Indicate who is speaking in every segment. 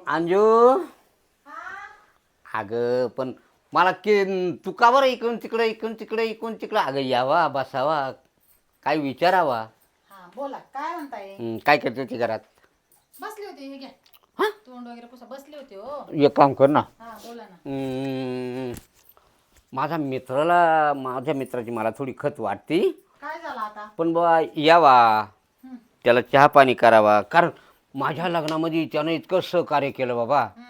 Speaker 1: अंजू अगं पण मला तू का बरं इकडून तिकडे अगं यावा बसावा काय विचारावा.
Speaker 2: हा बोला काय म्हणताय.
Speaker 1: काय करते ती घरात.
Speaker 2: बसले होते हे घ्या
Speaker 1: हा
Speaker 2: तोंड वगैरे पुसा बसले होते हो.
Speaker 1: एक काम कर ना.
Speaker 2: हा बोला ना.
Speaker 1: माझ्या मित्राची मला थोडी खत वाटती.
Speaker 2: काय झालं आता.
Speaker 1: पण बा यावा
Speaker 2: हम्म,
Speaker 1: त्याला चहा पाणी करावा कारण माझ्या लग्नामध्ये त्यानं इतकं सहकार्य केलं बाबा.
Speaker 2: हम्म,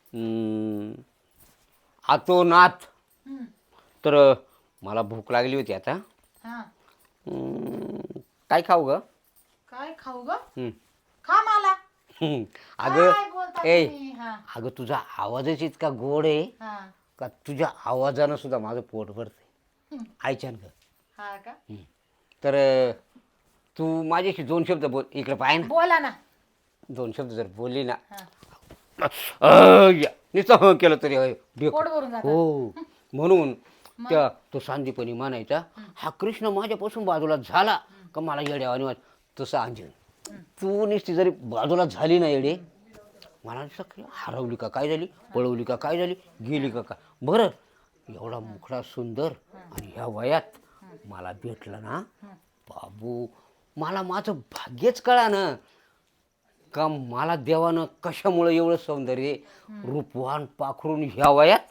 Speaker 1: आतोनात.
Speaker 2: हम्म,
Speaker 1: तर मला भूक लागली होती आता.
Speaker 2: हा
Speaker 1: काय खाऊ ग.
Speaker 2: काय खाऊ ग.
Speaker 1: हं.
Speaker 2: खा मला.
Speaker 1: अगं
Speaker 2: काय बोलता
Speaker 1: ए
Speaker 2: तुम्ही. हा
Speaker 1: अगं तुझा आवाजच इतका गोड आहे
Speaker 2: हा
Speaker 1: का तुझ्या आवाजानं सुद्धा माझं पोट भरते.
Speaker 2: हम्म,
Speaker 1: ऐच्यान ग.
Speaker 2: हा का.
Speaker 1: तर तू माझ्याशी दोन शब्द बोल इकडे पाय ना.
Speaker 2: बोला ना.
Speaker 1: दोन शब्द जर बोलली ना
Speaker 2: हा
Speaker 1: नुसतं केलं तरी बेक.
Speaker 2: पोट भरून जातं.
Speaker 1: हो म्हणून त्या तो सांदीपणी म्हणायचा हा कृष्ण माझ्यापासून बाजूला झाला का मला येड्यावानी वाट तसं अंजन तू नुसती जरी बाजूला झाली ना येडे मला नुसतं हरवली का काय झाली पळवली का काय झाली गेली का काय बरं एवढा मुखडा सुंदर आणि ह्या वयात मला भेटलं ना बाबू मला माझं भाग्यच कळा ना का मला देवानं कशामुळं एवढं सौंदर्य रूपवान पाखरून ह्या वयात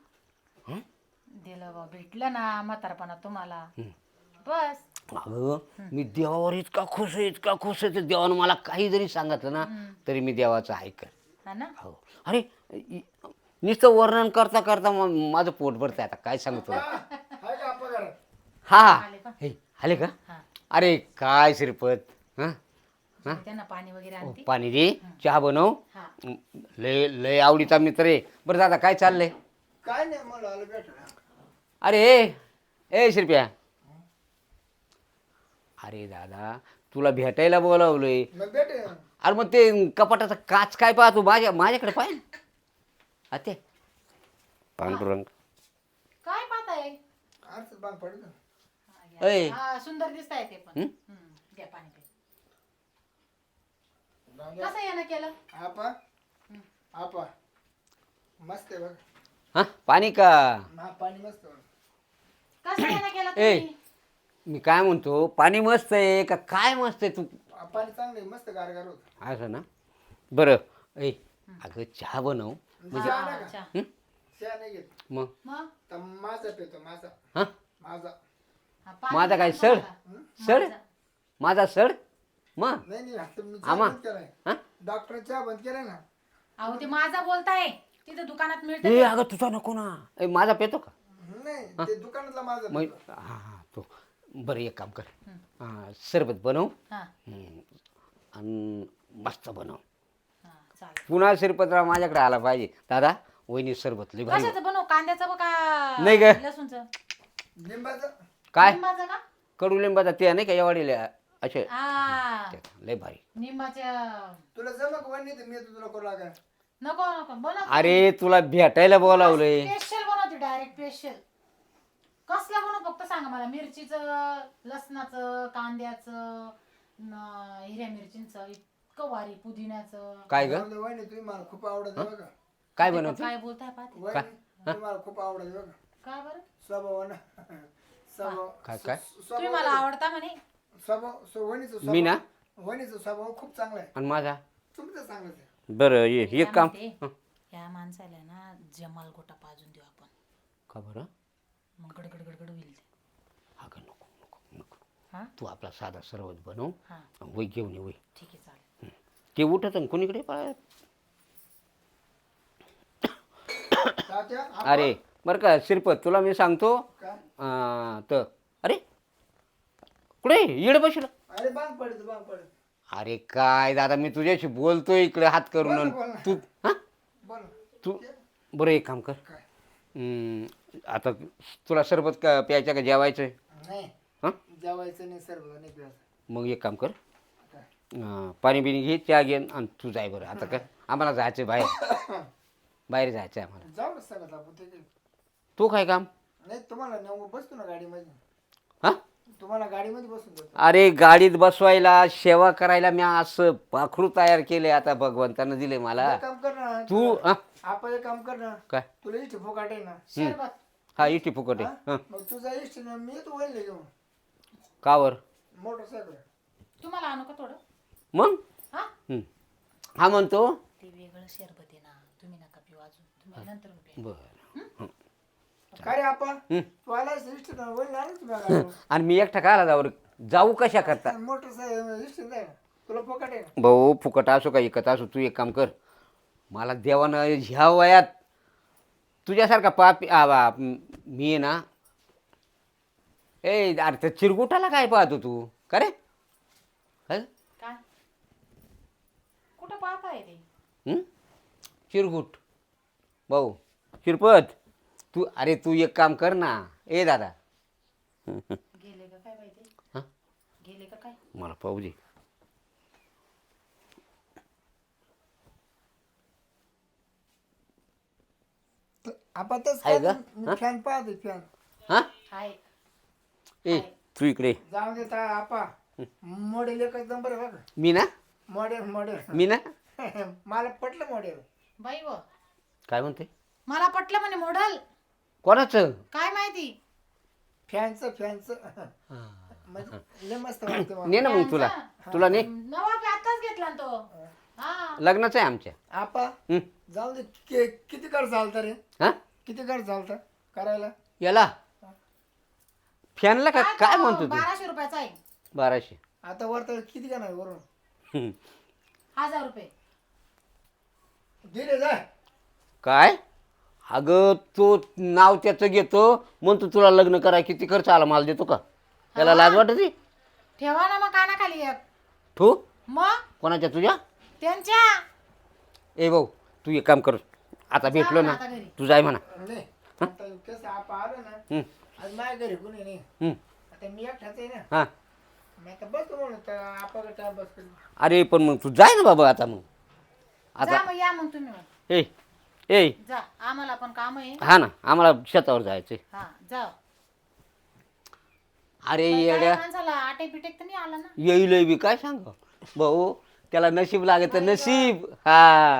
Speaker 2: दिलं बा भेटलं ना म्हातारपणा तुम्हाला. बस.
Speaker 1: अगं मी देवावर इतका खुश आहे तर देवानं मला काही जरी सांगितलं ना तरी मी देवाचं ऐकन.
Speaker 2: हा ना.
Speaker 1: हो अरे नुसतं वर्णन करता करता माझं पोट भरतंय आता काय सांगू तुला. हा हे आले का.
Speaker 2: हा
Speaker 1: अरे काय श्रीपत हां
Speaker 2: त्यांना पाणी वगैरे आणते.
Speaker 1: पाणी दे चहा बनव.
Speaker 2: हा
Speaker 1: लय लय आवडीचा मित्र आहे. बरं दादा काय चाललंय.
Speaker 3: काय नाही मला आलं भेटलं.
Speaker 1: अरे ए श्रीप्या अरे दादा तुला भेटायला बोलावलंय.
Speaker 3: मग भेटे
Speaker 1: अरे मग ते कपाटाचा काच काय पाहतो माझ्याकडे पाय ते पांडुरंग.
Speaker 2: काय पाहताय.
Speaker 3: आरच बांग पडत.
Speaker 2: हा, घ्या.
Speaker 1: ऐ.
Speaker 2: हा, सुंदर दिसताय ते पण. द्या पाणी पे. कसं यानं केलं.
Speaker 3: आपा आपा मस्त आहे बघ.
Speaker 1: हा पाणी का.
Speaker 3: हा पाणी मस्त आहे.
Speaker 2: कसं यानं केलं
Speaker 1: ए.
Speaker 2: तुम्ही.
Speaker 1: मी काय म्हणतो पाणी मस्त आहे का काय मस्त आहे तू
Speaker 3: पाणी चांगलं आहे मस्त गारगार होत.
Speaker 1: असं ना बरं ऐ अगं चहा बनव म्हणजे
Speaker 3: चहा नाही
Speaker 2: अच्छा.
Speaker 3: का? चहा नाही घेत.
Speaker 1: मग
Speaker 2: मग
Speaker 3: तर माझा पितो माझा
Speaker 1: हां
Speaker 3: माझा
Speaker 2: हा, पाणी
Speaker 1: माझा काय
Speaker 2: द्या
Speaker 1: सड
Speaker 2: मला.
Speaker 1: सड
Speaker 2: माझा.
Speaker 1: माझा सड मग
Speaker 3: नाही नाही आता मी चहा
Speaker 1: आमा.
Speaker 3: बंद केलाय.
Speaker 1: हां
Speaker 3: डॉक्टर चहा बंद केलाय ना.
Speaker 2: अहो ते माझा बोलताय तिथे दुकानात मिळतं
Speaker 1: ए
Speaker 2: ते.
Speaker 1: अगं तुझा नको ना ए माझा पेतो का
Speaker 3: नाही ते दुकानातला माझा
Speaker 1: मग
Speaker 3: पितो.
Speaker 1: हां हां तो बरं एक काम कर हां सरबत बनव
Speaker 2: हा
Speaker 1: आणि मस्त बनव.
Speaker 2: हा चालेल.
Speaker 1: पुन्हा श्रीपतराव माझ्याकडे आला पाहिजे दादा वहिनी सरबत लई भारी
Speaker 2: कशाचं बनव कांद्याचं बघा.
Speaker 1: नाही ग.
Speaker 2: लसूणचं.
Speaker 3: लिंबाचं
Speaker 1: काय
Speaker 2: निंबाचं का.
Speaker 1: कडुलिंबाचा ते नाही का एवढीला असे
Speaker 2: हा
Speaker 1: लय भारी.
Speaker 2: निंबाच्या.
Speaker 3: तुला जमक वणी तर मी तुला करू लागा.
Speaker 2: नको नको बनव.
Speaker 1: अरे तुला भेटायला बोलावलंय.
Speaker 2: स्पेशल बनवते डायरेक्ट स्पेशल. कसलं बनव फक्त सांगा मला. मिरचीचं लसणाचं कांद्याचं हिरव्या मिरचींचं इतकं भारी पुदिन्याचं.
Speaker 1: काय ग
Speaker 3: वणी तुम्ही मला खूप आवडत बघा.
Speaker 1: काय
Speaker 2: ते
Speaker 1: बनवते
Speaker 2: काय बोलताय पाहते.
Speaker 3: वणी तुम्हाला खूप आवडत बघा.
Speaker 2: काय बरं
Speaker 3: स्वभाव ना स्वभाव
Speaker 1: काय काय
Speaker 2: तुम्ही मला आवडता म्हणे.
Speaker 3: स्वभाव वणीचं
Speaker 1: मी ना
Speaker 3: वणीचा स्वभाव खूप चांगला आहे.
Speaker 1: आणि माझा
Speaker 3: तुमचं चांगलंच आहे.
Speaker 1: बरं ये एक
Speaker 2: काय
Speaker 1: काम
Speaker 2: म्हणते, या माणसाला ना जमाल गोटा पाजून देऊ आपण.
Speaker 1: का बरं
Speaker 2: मग गडगड गडगड होईल ते.
Speaker 1: अगं नको नको नको
Speaker 2: हा
Speaker 1: तू आपला साधा सरबत बनव
Speaker 2: हा
Speaker 1: वय घेऊन ये वय
Speaker 2: ठीक आहे चालेल.
Speaker 1: ते उठत आणि कोणीकडे पाय
Speaker 3: तात्या, आपण
Speaker 1: अरे बरं का श्रीपत तुला मी सांगतो
Speaker 3: काय?
Speaker 1: तर अरे कुठे येड बसला.
Speaker 3: अरे बांग पडत.
Speaker 1: अरे काय दादा मी तुझ्याशी बोलतोय इकडे हात करून
Speaker 3: बोल
Speaker 1: आणि
Speaker 3: ना, बोल ना.
Speaker 1: तू हां
Speaker 3: बोल
Speaker 1: तू बरं एक काम कर
Speaker 3: काय
Speaker 1: आता तुला सरबत का प्यायचं का जेवायचं आहे
Speaker 3: नाही
Speaker 1: हां
Speaker 3: जेवायचं नाही सर्व नाही प्यायचं.
Speaker 1: मग एक काम कर
Speaker 3: काय?
Speaker 1: पाणी बिणी घे चहा घे आणि तू जाय बरं आता कर आम्हाला जायचं आहे बाहेर बाहेर जायचं आहे आम्हाला.
Speaker 3: जाऊ ना सगळं आपण ते काही.
Speaker 1: तू काय काम
Speaker 3: नाही तुम्हाला नेऊ बसतो ना गाडीमध्ये.
Speaker 1: हां
Speaker 3: तुम्हाला गाडीमध्ये बसून देतो.
Speaker 1: अरे गाडीत बसवायला सेवा करायला मी असं पाखरू तयार केले आता भगवंतानं दिले मला.
Speaker 3: एक काम कर ना ना
Speaker 1: तू हा
Speaker 3: आपण एक काम कर ना
Speaker 1: काय
Speaker 3: तुला इष्ट फुकाट आहे ना
Speaker 2: शरबत
Speaker 1: हा इटी फुकट आहे
Speaker 3: हा?
Speaker 1: हा
Speaker 3: मग तुझा इष्ट ना मी तू वळले घेऊन
Speaker 1: कावर
Speaker 3: मोटरसायकल
Speaker 2: तुम्हाला आणू का थोडं
Speaker 1: मग
Speaker 2: हा
Speaker 1: हा म्हणतो
Speaker 2: ते वेगळं शरबत आहे ना तुम्ही नका पिऊ अजून तुम्ही नंतर प्या
Speaker 1: बर
Speaker 3: काय रे आपण तू आलास इष्ट ना वळले आलं तुम्ही गाडीवर.
Speaker 1: आणि मी एकटा काय आला जाऊ कशा करता
Speaker 3: मोटरसायकल इष्ट नाही ना तुला फुकाट आहे ना
Speaker 1: भाऊ फुकट असो का इकत असो तू एक काम कर मला देवानं ह्या वयात तुझ्यासारखा मी आहे ना ए अरे त्या चिरगुटाला काय पाहतो तू का रे हं?
Speaker 2: काय कुठं पाहताय ते
Speaker 1: हं? चिरगुट भाऊ चिरपत तू अरे तू एक काम कर ना ए दादा
Speaker 2: गेले का काय माहिती
Speaker 1: हं?
Speaker 2: गेले का काय
Speaker 1: मला पाहू दे
Speaker 3: आपण तेच
Speaker 1: आहे का?
Speaker 3: मी फॅन पाहते फॅन
Speaker 1: हां
Speaker 2: हाय
Speaker 1: ए तू इकडे
Speaker 3: जाऊन देता आपा मॉडेल एकच नंबर आहे बघा
Speaker 1: मी ना
Speaker 3: मॉडेल मॉडेल
Speaker 1: मी ना
Speaker 3: मला पटलं मॉडेल
Speaker 2: बाई व
Speaker 1: काय म्हणते
Speaker 2: मला पटलं म्हणे मॉडल
Speaker 1: कोणाचं
Speaker 2: काय माहिती
Speaker 3: फॅनचं म्हणजे लय मस्त वाटतं मला.
Speaker 1: ने ना मग तुला तुला ने
Speaker 2: नवा आताच घेतला ना तो हा
Speaker 1: लग्नाचं आहे आमच्या
Speaker 3: आपा
Speaker 1: हं?
Speaker 3: जाऊ दे किती खर्च चालतं रे
Speaker 1: हा
Speaker 3: किती खर्च चालतं करायला
Speaker 1: याला फॅनला का काय
Speaker 2: तो
Speaker 1: म्हणतो तू
Speaker 2: 1200 रुपयाचा आहे
Speaker 1: 1200
Speaker 3: आता वर तर किती का नाही वरून
Speaker 1: हं.
Speaker 2: 1000 रुपये
Speaker 3: दिले जाय
Speaker 1: काय अगं तो नाव त्याचं घेतो म्हणतो तुला लग्न करा किती खर्च आला मला देतो का त्याला लाज वाटते
Speaker 2: ठेवा ना मग कानाखाली एक
Speaker 1: तू
Speaker 2: मग
Speaker 1: कोणाच्या तुझ्या
Speaker 2: त्यांच्या
Speaker 1: ए भाऊ तू एक काम कर आता भेटलो ना
Speaker 2: आता घरी.
Speaker 1: तू जाय म्हणा
Speaker 3: नाही आता कसं आपा आलं ना
Speaker 1: हं,
Speaker 3: आज माझ्या घरी कोणी नाही
Speaker 1: हं,
Speaker 3: आता मी एकटाच आहे ना
Speaker 1: हा
Speaker 3: मी आता बसतो म्हणून तर आपा टाइम बस करू
Speaker 1: अरे पण मग तू जाय ना बाबा आता मग
Speaker 2: जा
Speaker 1: आता
Speaker 2: मग या मग तुम्ही मग
Speaker 1: ए ए
Speaker 2: जा आम्हाला पण काम आहे
Speaker 1: हा ना आम्हाला शेतावर जायचंय
Speaker 2: हा जा
Speaker 1: अरे
Speaker 2: बाई,
Speaker 1: येड्या
Speaker 2: काय माणसाला आटे पिटेक तर नाही आला ना
Speaker 1: येईल बी काय सांग भाऊ त्याला नशीब लागत नशीब हा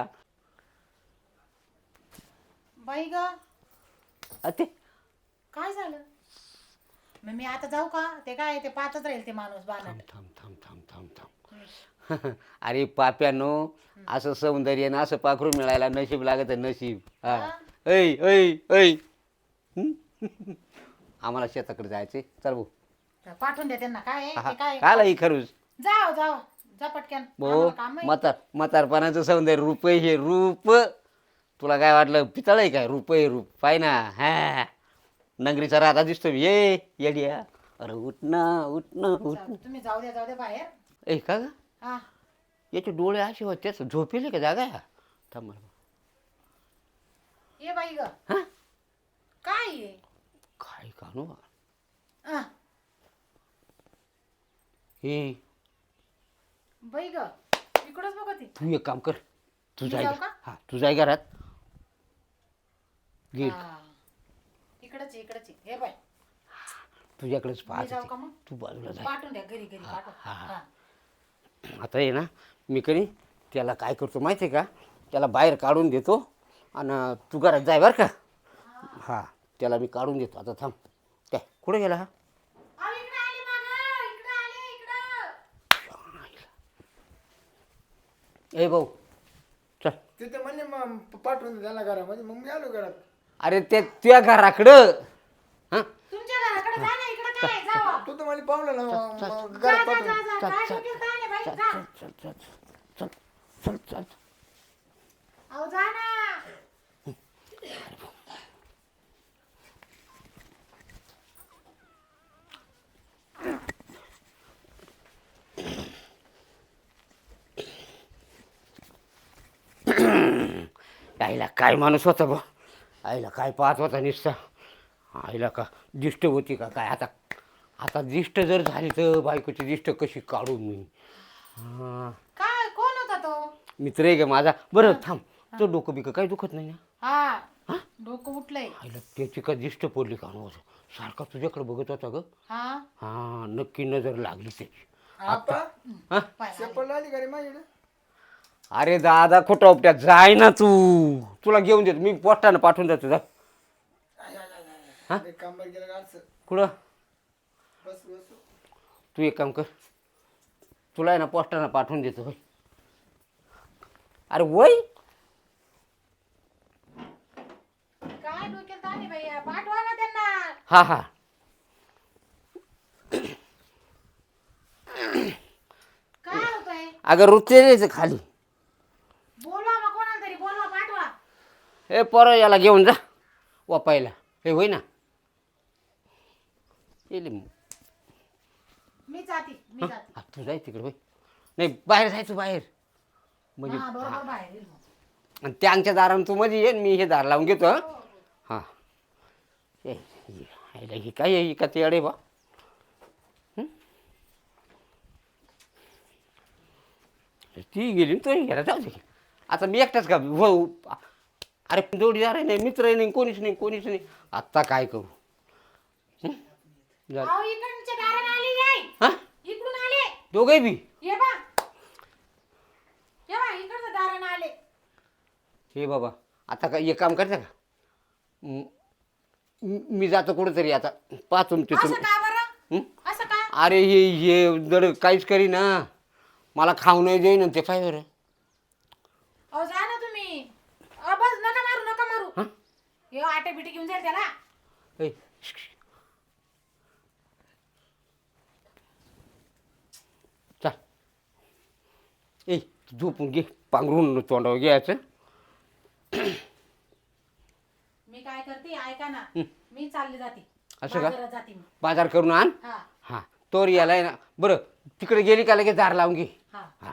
Speaker 2: बाई ग
Speaker 1: ते
Speaker 2: काय झालं मग मी आता जाऊ का ते काय ते पाहतच राहील ते माणूस बाणट
Speaker 1: थांब थांब थांब थांब थांब अरे पाप्यानो असं सौंदर्य ना असं पाखरू मिळायला नशीब लागत नशीब हा ऐ ऐ ऐ हं? आम्हाला शेताकडे जायचे चल भाऊ
Speaker 2: पाठवून द्या त्यांना काय आहे?
Speaker 1: हा,
Speaker 2: ते काय
Speaker 1: काला ही खरूच
Speaker 2: जाओ जाओ जा पटक्यान
Speaker 1: भाऊ
Speaker 2: आम्हाला काम आहे.
Speaker 1: म्हातारपणाचं सौंदर्य रूप आहे हे रूप तुला काय वाटलं पितळ आहे काय रूप आहे रूप पाय ना हा नगरीचा राधा दिसतो ये येड्या अरे उठणं उठणं उठ
Speaker 2: तुम्ही जाऊ द्या बाहेर
Speaker 1: ए का ग
Speaker 2: हा
Speaker 1: याचे डोळे असे होते झोपेले का जागा आहे? थांब मला
Speaker 2: ये बाई ग
Speaker 1: हा
Speaker 2: काय आहे?
Speaker 1: काय कानू
Speaker 2: आ,
Speaker 1: हे
Speaker 2: बाई ग इकडंच बघ ती
Speaker 1: तू एक काम कर तू
Speaker 2: मी
Speaker 1: जाय
Speaker 2: जाऊ का?
Speaker 1: हा तू जाय घरात घे
Speaker 2: हा. इकडंच आहे. हे बाई
Speaker 1: तुझ्याकडेच
Speaker 2: मी जाऊ
Speaker 1: पाहत
Speaker 2: का मग
Speaker 1: तू बाजूला जाय
Speaker 2: पाठवून द्या घरी पाठवून
Speaker 1: हा, हा.
Speaker 2: हा.
Speaker 1: आता आहे ना मी कधी त्याला काय करतो माहिती आहे का त्याला बाहेर काढून देतो आणि तू घरात जाय बरं का हा त्याला मी काढून देतो आता थांब काय कुठे गेला हा
Speaker 2: अहो, इकडं आले मागं, इकडं आले.
Speaker 1: ए भाऊ चल
Speaker 3: तिथे म्हणले मग पाठवून दे त्याला घरामध्ये मग मी आलो घरात
Speaker 1: अरे ते तुझ्या घराकडं हां
Speaker 2: तुमच्या घराकडे जा ना इकडं काय जावा
Speaker 3: तू तर मला पावलं ना मग
Speaker 2: जा
Speaker 3: घरात
Speaker 2: जा
Speaker 3: पाठवून
Speaker 2: जा जा काय डोक्यात ताण आहे बाई जा
Speaker 1: चल चल चल चल चल
Speaker 2: अहो जा ना
Speaker 1: आईला काय माणूस होता बा आईला काय पाहत होता निसता आईला का दिष्ट होती का काय आता आता दिष्ट जर झाली तर बायकोची दिष्ट कशी काढू मी हा
Speaker 2: काय कोण होता तो
Speaker 1: मित्र आहे का माझा बरं थांब तो डोकं बिकं काही दुखत नाही ना
Speaker 2: हा डोकं उठलंय
Speaker 1: आईला त्याची का दिष्ट पडली का नव्हतं सारखा तुझ्याकडे बघत होता ग
Speaker 2: हा
Speaker 1: हा नक्की नजर लागली त्याची
Speaker 3: आपा
Speaker 1: हा
Speaker 2: पाय आले.
Speaker 3: चप्पल आली का रे माझ्याकडे
Speaker 1: अरे दादा खोटा उपट्यात जाय ना तू, तुला घेऊन देतो मी, पोस्टानं पाठवून देतो जा. हा?
Speaker 3: एक काम बरं केलं का असं?
Speaker 1: कुठं?
Speaker 3: बस बस.
Speaker 1: तू एक काम कर, तुला आहे ना पोस्टानं पाठवून देतो होय. अरे वय
Speaker 2: काय डोक्यात आले भैया, पाठवा ना त्यांना.
Speaker 1: हा हा.
Speaker 2: काय होतंय?
Speaker 1: अगं रुचेच खाली.
Speaker 2: बोलवा मग कोणाला तरी, बोलवा, पाठवा.
Speaker 1: हे पोरं याला घेऊन जा वापायला. हे होय ना येईल मग.
Speaker 2: मी जाते, मी जाते.
Speaker 1: हा, तू जाय तिकडे होय. नाही बाहेर जायचं बाहेर म्हणजे.
Speaker 2: हा बरोबर बाहेर येईल मग.
Speaker 1: आणि त्यांच्या दारानं तू मध्ये ये, मी हे दार लावून घेतो. हां हे काय आहे का ते अडे बा. ती गेली तो घ्यायला जाऊ दे. आता मी एकटाच का हो. अरे जोडीदार नाही, मित्र नाही, कोणीच नाही, कोणीच नाही. आत्ता काय करू. झालं.
Speaker 2: अहो, इकडच्या दाराने आले काय?
Speaker 1: हा
Speaker 2: इकडून आले.
Speaker 1: दोघे बी.
Speaker 2: ये बा, इकडच्या दाराने आले.
Speaker 1: हे बाबा आता काय एक काम करता का. मी जातो कुठेतरी आता, पाहतो तुमचे
Speaker 2: असं
Speaker 1: तुम्ही.
Speaker 2: का बरं? असं का?
Speaker 1: अरे हे जर काहीच करी ना, मला खाऊ नाही देईन ते काय बरं.
Speaker 2: अहो जा ना तुम्ही. बस नका मारू, नका मारू. हे आटे बिटे घेऊन जाईल त्याला.
Speaker 1: ऐ, चल ए झोपून घे, पांघरून तोंडावर घ्यायचं.
Speaker 2: मी काय करते ऐका ना. मी चालले जाते.
Speaker 1: असं का?
Speaker 2: बाजारात जाते मी.
Speaker 1: बाजार करून आण.
Speaker 2: हा
Speaker 1: हां तोर यालाय ना. बरं तिकडे गेली का लगेच दार लावून घे.
Speaker 2: हा.
Speaker 1: हां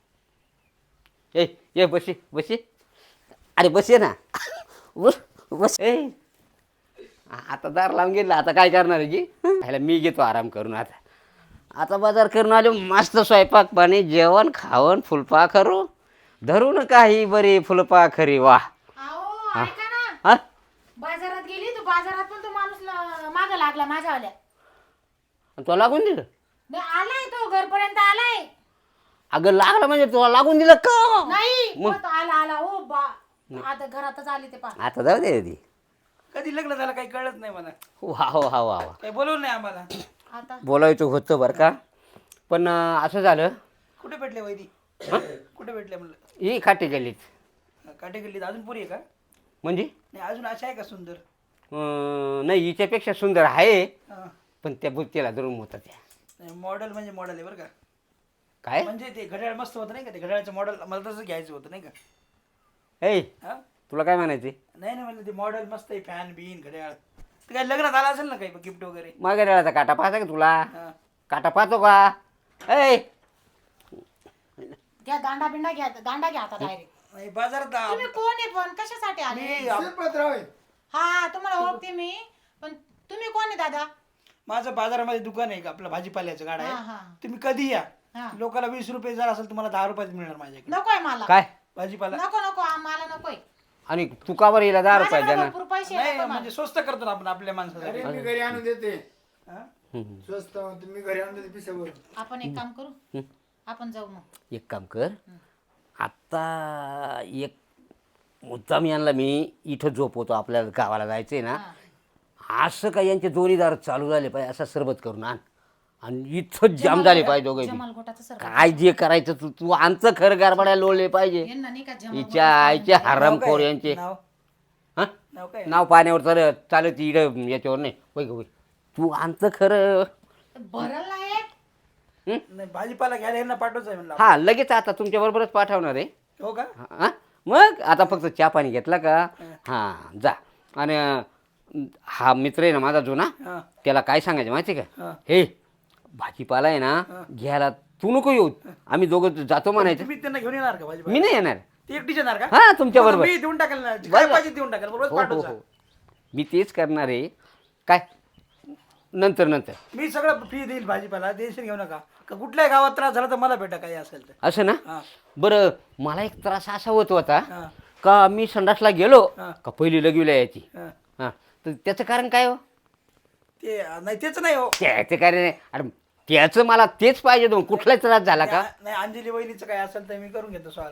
Speaker 1: ए ये बसे बसे. अरे बसे ना. बस बस ए. आता दार लावून गेला, आता काय करणार आहे की. ह्याला मी घेतो आराम करून. आता बाजार करून आलो, मस्त स्वयंपाक पाणी जेवण खावण फुलपा करू धरून काही बरी फुलपा खरी वा.
Speaker 2: अहो ऐका ना.
Speaker 1: हा
Speaker 2: बाजारात गेली तर बाजारात पण तो माणूस माग लागला माझ्यावाल्या.
Speaker 1: तुला लागून दिलं.
Speaker 2: नाही, आलाय तो घरपर्यंत आलाय.
Speaker 1: अगं लागलं म्हणजे तुला लागून दिलं का.
Speaker 2: नाही
Speaker 1: मग?
Speaker 2: तो आला आला ओ बा. आता घरातच आली ते पा.
Speaker 1: आता जाऊ दे ती.
Speaker 3: कधी लग्न झालं काही कळत नाही मला.
Speaker 1: वा वा वा वा.
Speaker 3: काही बोलवलं नाही आम्हाला.
Speaker 2: आता
Speaker 1: बोलायचं होतं बरं का, पण असं झालं.
Speaker 3: कुठे भेटले वैदी? कुठे भेटले म्हणलं?
Speaker 1: ही खाटी गेलीत
Speaker 3: काटे गल्लीत अजून पुरी आहे का?
Speaker 1: म्हणजे
Speaker 3: नाही अजून अशा आहे का सुंदर?
Speaker 1: नाही हिच्यापेक्षा सुंदर आहे,
Speaker 3: हा.
Speaker 1: पण त्या बुत्तीला धरून होता त्या.
Speaker 3: नाही मॉडेल म्हणजे मॉडेल आहे बरं का.
Speaker 1: काय
Speaker 3: म्हणजे ते घड्याळ मस्त होतं नाही का, ते घड्याळचं मॉडेल मला तसं घ्यायचं होतं नाही का.
Speaker 1: ए
Speaker 3: हा
Speaker 1: तुला काय म्हणायचे.
Speaker 3: नाही नाही म्हणलं ते मॉडेल मस्त आहे, फॅन बिन घड्याळ. ते काय लग्नात आला असेल ना काही गिफ्ट वगैरे.
Speaker 1: मागे रेळाचा काटा पाहता का तुला.
Speaker 3: हा.
Speaker 1: काटा पाहतो का. ए
Speaker 2: घ्या दांडा बिंडा घ्या, दांडा घ्या आता डायरेक्ट.
Speaker 3: नाही बाजारात
Speaker 2: तुम्ही कोण आहे पण कशासाठी आले?
Speaker 3: मी
Speaker 4: शिरपतराव आहे.
Speaker 2: हा तुम्हाला ओळखते मी, पण तुम्ही कोण आहे दादा?
Speaker 3: माझं बाजारामध्ये दुकान आहे का आपलं भाजीपाल्याचं गाडा
Speaker 2: हा, हा.
Speaker 3: आहे. तुम्ही कधी या.
Speaker 2: हा.
Speaker 3: लोकांना 20 रुपये जर असेल तुम्हाला 10 रुपयात मिळणार माझ्याकडे
Speaker 2: नकोय मला.
Speaker 1: काय
Speaker 3: भाजीपाला.
Speaker 2: नको नको मला नकोय.
Speaker 1: आणि तू का बरं हिला 10 रुपये
Speaker 2: माझ्याकडे
Speaker 1: देणार.
Speaker 2: भरपूर पैसे
Speaker 3: नाही
Speaker 2: आहेत, नको
Speaker 3: म्हणजे स्वस्त करतो ना आपण आपल्या माणसासाठी.
Speaker 4: अरे मी घरी आणून देते.
Speaker 3: हा?
Speaker 4: स्वस्त तुम्ही घरी आणून देते पिसावर.
Speaker 2: मला. आपण एक काम करू, आपण जाऊ मग.
Speaker 1: एक काम कर, आत्ता एक मुद्दाम यांना मी इथं झोपवतो, आपल्याला गावाला जायचंय ना. असं काय यांचे जोडीदार चालू झाले पाहिजे, असा सरबत करून आण आणि इथं जाम झाले पाहिजे दोघे.
Speaker 2: जमाल घोटाचं सर
Speaker 1: काय जे करायचं तू तू आमचं खरं गारबाड्या लोळले पाहिजे.
Speaker 2: यांना नाही का जमाल
Speaker 1: हिच्या आईचे हरामखोर यांचे.
Speaker 3: नाव
Speaker 1: हा
Speaker 3: नाव काय?
Speaker 1: नाव पाण्यावर चालत इकडं याच्यावर नाही. होय होय तू आमचं खरं.
Speaker 2: भरल नाही.
Speaker 3: नाही भाजीपाला घ्यायला यांना पाठवच आहे म्हणलं.
Speaker 1: हा लगेच आता तुमच्या बरोबरच पाठवणार आहे.
Speaker 3: हो का?
Speaker 1: हा मग आता फक्त चहा पाणी घेतला का. हां जा. आणि हा मित्र आहे ना माझा जुना,
Speaker 3: हा.
Speaker 1: त्याला काय सांगायचं माहिती आहे
Speaker 3: हा.
Speaker 1: का. हे भाजीपाला आहे ना घ्यायला तू नको येऊ, आम्ही दोघं जातो म्हणायचं.
Speaker 3: तुम्ही त्यांना घेऊन येणार का भाजीपाला?
Speaker 1: मी नाही येणार.
Speaker 3: ते एकटीच येणार का?
Speaker 1: हा तुमच्या
Speaker 3: मग
Speaker 1: बरोबर.
Speaker 3: मी देऊन टाकेल ना. काय पाहिजे देऊन टाकेल बरोबर
Speaker 1: हो हो
Speaker 3: पाठवचा.
Speaker 1: हो मी तेच करणार आहे. काय नंतर नंतर
Speaker 3: मी सगळं फ्री देईल भाजीपाला, टेन्शन घेऊ नका. का कुठल्याही गावात त्रास झाला तर मला भेटा काही असेल तर.
Speaker 1: असं ना.
Speaker 3: हा.
Speaker 1: बरं मला एक त्रास असा होत होता
Speaker 3: हा.
Speaker 1: का मी संडासला गेलो
Speaker 3: हा.
Speaker 1: का पहिली लगविला यायची.
Speaker 3: हा.
Speaker 1: हां तर त्याचं कारण काय हो.
Speaker 3: ते नाही तेच नाही हो.
Speaker 1: त्याचं कारण नाही. अरे त्याचं मला तेच पाहिजे. दोन कुठलाच त्रास झाला का.
Speaker 3: नाही अंजली वहिनीचं काय असेल तर मी करून घेतो सॉल्व.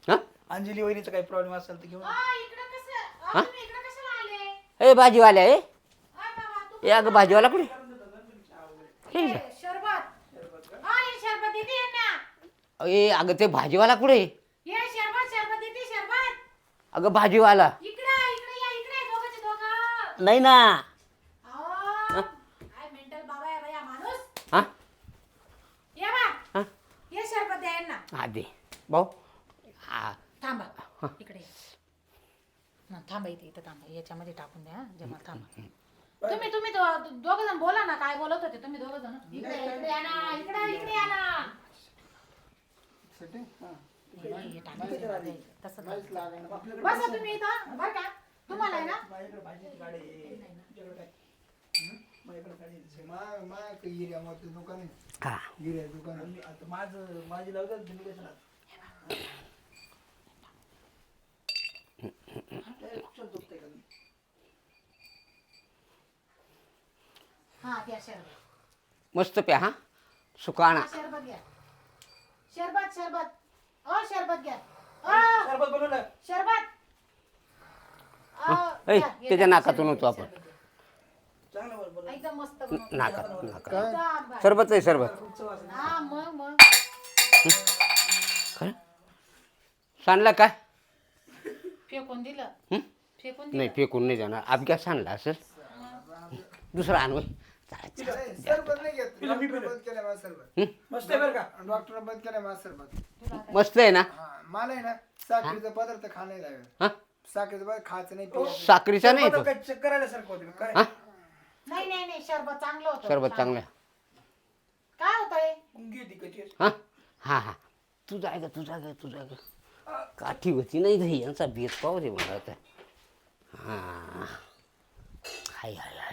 Speaker 1: हा
Speaker 3: अंजली वहिनीचा काही प्रॉब्लेम असेल तर घेऊन
Speaker 2: इकडं कसं
Speaker 1: हा?
Speaker 2: तुम्ही इकडं कशाला आले
Speaker 1: ए भाजीवाल्या ए
Speaker 2: बाबा
Speaker 1: ए अगं भाजीवाला कुठे हे इकडं.
Speaker 2: शरबत हे शरबत देते ना
Speaker 1: ए अगं ते भाजीवाला कुठे
Speaker 2: ये शरबत देते शरबत
Speaker 1: अगं भाजीवाला
Speaker 2: इकडे दोघंचे दोघं
Speaker 1: नाही ना
Speaker 2: अहो काय मेंटल बाबा आहे बाया माणूस
Speaker 1: हा
Speaker 2: ये बा
Speaker 1: हा
Speaker 2: ये शरबत द्या ना
Speaker 1: हा दे भाऊ हा
Speaker 2: थांबा इकडे थांबा इथं थांबा याच्यामध्ये टाकून द्या जेव्हा थांबा तुम्ही दोघ जण बोला ना काय बोलत होते तुम्ही दोघ जण इकडे या ना इकडे या ना
Speaker 4: सेटिंग हा
Speaker 2: हे टाकायचं तसं बसा तुम्ही इथं बरं का तुम्हाला आहे ना
Speaker 3: माझ्याकडे भाजीची गाडी आहे. तुझ्याकडे काय? माझ्याकडे गाडी आहे.
Speaker 4: मा एरियामध्ये दुकान आहे
Speaker 1: हा
Speaker 4: गिऱ्या दुकान आहे.
Speaker 3: आणि आता माझी लावतात तुम्ही कशाला
Speaker 2: हा द्या शरबत
Speaker 1: मस्त प्या हा सुकाणा
Speaker 2: शरबत घ्या शरबत शरबत घ्या
Speaker 3: सरबत बनवलं
Speaker 2: शरबत
Speaker 1: ए
Speaker 2: घ्या, हे
Speaker 1: त्याच्या
Speaker 2: घ्या,
Speaker 1: नाकातून
Speaker 2: शरबत
Speaker 1: होतो
Speaker 2: घ्या,
Speaker 1: आपण
Speaker 2: शरबत घ्या.
Speaker 3: चांगलं बरोबर
Speaker 2: एकदम मस्त बनवतो.
Speaker 1: नाकात
Speaker 2: एकदम भारी.
Speaker 1: सरबत आहे सरबत
Speaker 2: हा मग
Speaker 1: खरं सांडला काय
Speaker 2: फेकून दिलं
Speaker 1: हं?
Speaker 2: फेकून
Speaker 1: नाही फेकून नाही जाणार अभ्या सांडला असेल दुसरा आणू
Speaker 4: सरबत नाही घेत डॉक्टर बंद केलं माझं सरबत
Speaker 3: मस्त आहे बरं का
Speaker 4: डॉक्टर बंद केलं माझं सरबत
Speaker 1: मस्त आहे ना
Speaker 4: हा मला आहे ना साखरेचा पदार्थ खाणं नाही लागेल
Speaker 1: हा
Speaker 4: साखरेचा पदार्थ खायचं नाही प्यायचं.
Speaker 1: साखरीचा नाही तो
Speaker 3: काय चक्कर आल्यासारखं होतं काय
Speaker 1: हा
Speaker 2: नाही शरबत चांगलं होतं
Speaker 1: सरबत चांगलं आहे.
Speaker 2: काय होतंय
Speaker 3: मुंगी होती कशी
Speaker 1: हा हा हा तू जाय ग तू जाय ग काठी होती नाही घरी यांचा बेत पाहू दे मला आता हा हाय हाय हाय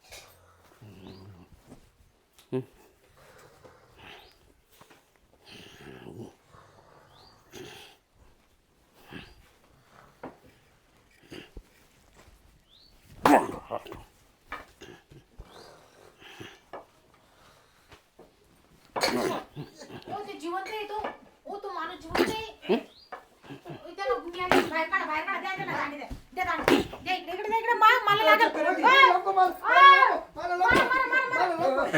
Speaker 2: ते जिवंत आहे तो माणूस जिवंत आहे त्याला बाहेर काढा द्या त्याला दांडी द्या दांडी द्या इकडे मला लागल
Speaker 4: नको मला नको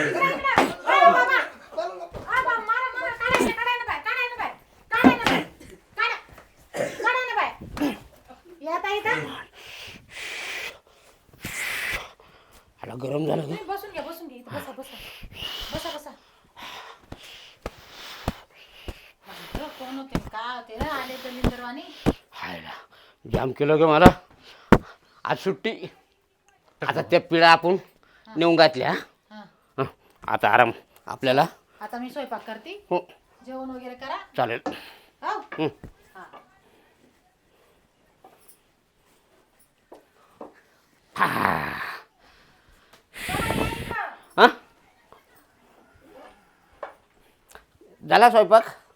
Speaker 1: आला गरम झालं ग
Speaker 2: बसून घ्या इथं बसा कोण होते का होते ना आले तर लिंदरवाणी
Speaker 1: हायला जाम केलं ग मला आज सुट्टी आता त्या पिढा आपण नेऊन घातल्या
Speaker 2: हा
Speaker 1: हं, आता आराम आपल्याला
Speaker 2: आता मी स्वयंपाक करते
Speaker 1: हो
Speaker 2: जेवण वगैरे करा
Speaker 1: चालेल
Speaker 2: हो
Speaker 1: हं.
Speaker 2: हा
Speaker 1: हा झाला स्वयंपाक